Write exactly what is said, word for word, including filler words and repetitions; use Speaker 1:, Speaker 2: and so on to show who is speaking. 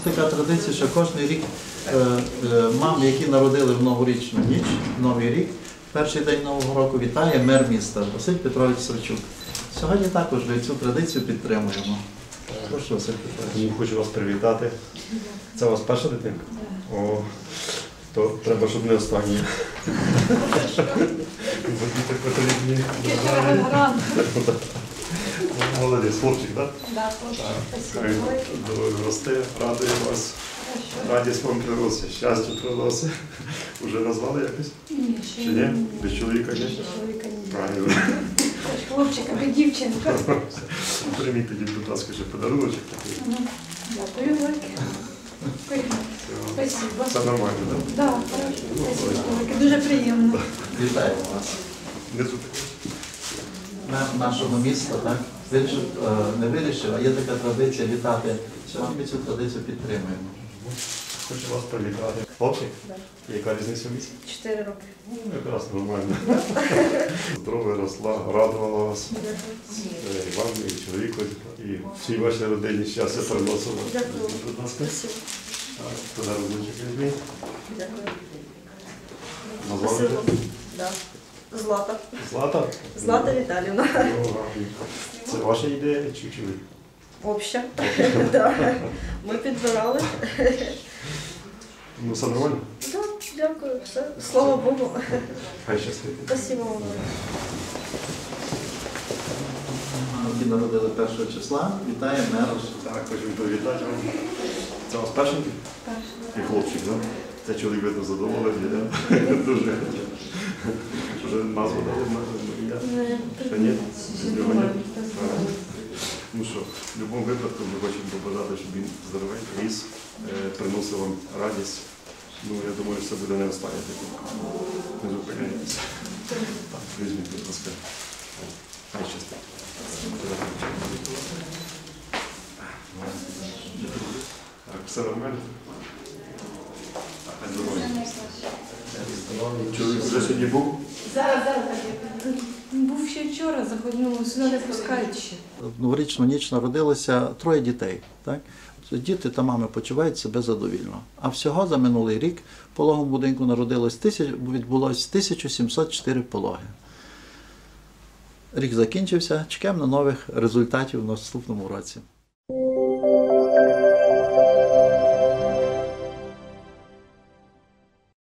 Speaker 1: така традиція, що кожен рік е, е, мами, які народили в новорічну ніч, Новий рік, перший день Нового року вітає мер міста Василь Петрович Савчук. Сьогодні також ми цю традицію підтримуємо. Прошу, Василь Петрович.
Speaker 2: Хочу вас привітати. Це у вас перша дитинка? О, то треба, щоб не останнє. Бо діти потрібні. Молодець, хлопчик, так?
Speaker 3: Да, хлопчик.
Speaker 2: Росте, радує вас. Радість вам приносить, щастя приносить. Уже назвали якось?
Speaker 3: Ні, ще
Speaker 2: Чи ні? Без чоловіка ні?
Speaker 3: чоловіка ні.
Speaker 2: Правильно.
Speaker 3: Хлопчик або дівчинка.
Speaker 2: Прийміть тоді, будь ласка, ще подаруночок такий.
Speaker 3: Дякую, велике. Спасибо.
Speaker 2: Все нормально, так?
Speaker 3: Да, хорошо. Спасибо, велике. Дуже приємно.
Speaker 1: Вітаємо вас.
Speaker 2: Внизу таке.
Speaker 1: Мер нашого міста, так, вирішив, е, не вирішив, а є така традиція вітати. Сьогодні ми цю традицію підтримуємо.
Speaker 2: Хочу вас привітати. Хлопчик?
Speaker 3: Да.
Speaker 2: Яка різниця в віці?
Speaker 3: Чотири роки.
Speaker 2: Ну, якраз нормально. Здоров'я росла, радувала вас. Е, І вам, і чоловіку, і всій вашій родині щастя приносила.
Speaker 3: Дякую.
Speaker 2: Будь ласка.
Speaker 3: Спасибо.
Speaker 2: Так, подаруночок візьміть.
Speaker 3: Дякую.
Speaker 2: Назвали?
Speaker 3: Спасибо. Да. Злата.
Speaker 2: Злата?
Speaker 3: Злата Віталіївна.
Speaker 2: Ну, гарно. Це ваша ідея чи чоловік?
Speaker 3: Обща. Да. Ми підбирали.
Speaker 2: Ну, все нормально?
Speaker 3: Да, дякую. Все. Слава Богу.
Speaker 2: Хай щастить.
Speaker 3: Спасибо вам.
Speaker 1: Які народили першого числа, вітає мер.
Speaker 2: Так, хочу привітати вам. Це у вас першенький?
Speaker 3: Перше.
Speaker 2: І хлопчик, так? Це чоловік, видно, задоволений, так? Дуже. Вже назву дали ім'я? Ще ні? Нього ні? Ну що, в будь-якому випадку ми хочемо побажати, щоб він здоровенький ріс, е, приносив вам радість. Ну, я думаю, що це буде не остання дитинка. Не зупиняйтеся. Так, візьміть, будь ласка. Хай щастить. Так, все нормально? Так, здоров'я. Чоловік вже сьогодні був?
Speaker 3: Зараз, зараз. Був ще вчора, заходимо, сюди не пускають ще.
Speaker 1: В новорічну ніч народилося троє дітей. Так? Діти та мами почувають себе задовільно. А всього за минулий рік в пологовому будинку народилось тисяч, відбулось тисяча сімсот чотири пологи. Рік закінчився, чекаємо на нових результатів в наступному році.